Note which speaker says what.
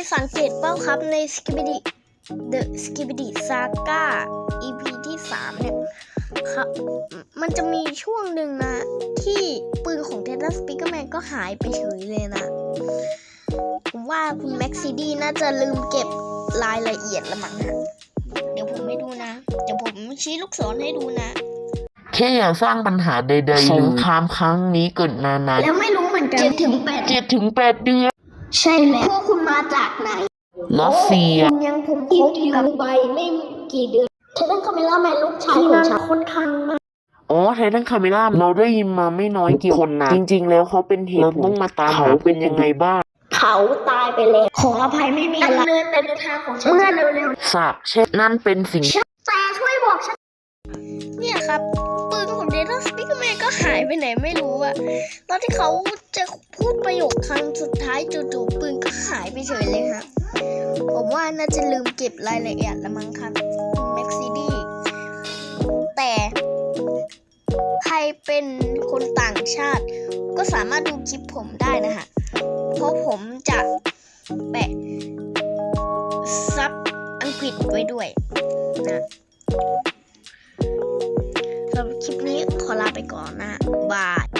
Speaker 1: ยสังเกตเปล่าครับใน The Skibidi Saga EP ที่ 3 เนี่ยครับมันจะมีช่วงหนึ่งนะที่ปืนของเทเลสปิกเกอร์แมนก็หายไปเฉยเลยนะผมว่าคุณแม็กซิดี้น่าจะลืมเก็บรายละเอียดละมั้งฮะเดี๋ยวผมไม่ดูนะเดี๋ยวผมชี้ลูกศรให้ดูนะ
Speaker 2: แค่อย่าสร้างปัญหาใดๆสงครามครั้งนี้เกิดนานๆ
Speaker 1: แล้วไม่รู้เหมือนกัน7 ถึง
Speaker 2: 8 เดือน
Speaker 1: ใช่แล้วพวกคุณมาจากไหน
Speaker 2: รัสเซีย
Speaker 1: คุณยังผมคบกับใบไม่กี่เดือนเทเลนคาเมล่าแมนลูกชายของฉันค่อนข้างมาก
Speaker 2: ไททันคาเมล่าเราได้ยินมาไม่น้อยกี่คนนะจริงๆแล้วเขาเป็นเหตุเราต้องมาตามเขาเป็นยังไงบ้าง
Speaker 1: เขาตายไปแล้วขออภัยไม่มีอะไรดำเนินไปในทางของฉันเมื่อเร็ว
Speaker 2: ๆสาบเช่นนั่นเป็นสิ่ง
Speaker 1: แต่ช่วยบอกฉันเนี่ยครับปืนของเดลต้าสปิกเกอร์แมนก็หายไปไหนไม่รู้อะตอนที่เขาจะพูดประโยคครั้งสุดท้ายจู่ๆปืนก็หายไปเฉยเลยครับผมว่าน่าจะลืมเก็บรายละเอียดละมั้งครับแม็กซิดี้แต่ใครเป็นคนต่างชาติก็สามารถดูคลิปผมได้นะฮะเพราะผมจะแปะซับอังกฤษไว้ด้วยนะสำหรับคลิปนี้ขอลาไปก่อนนะบาย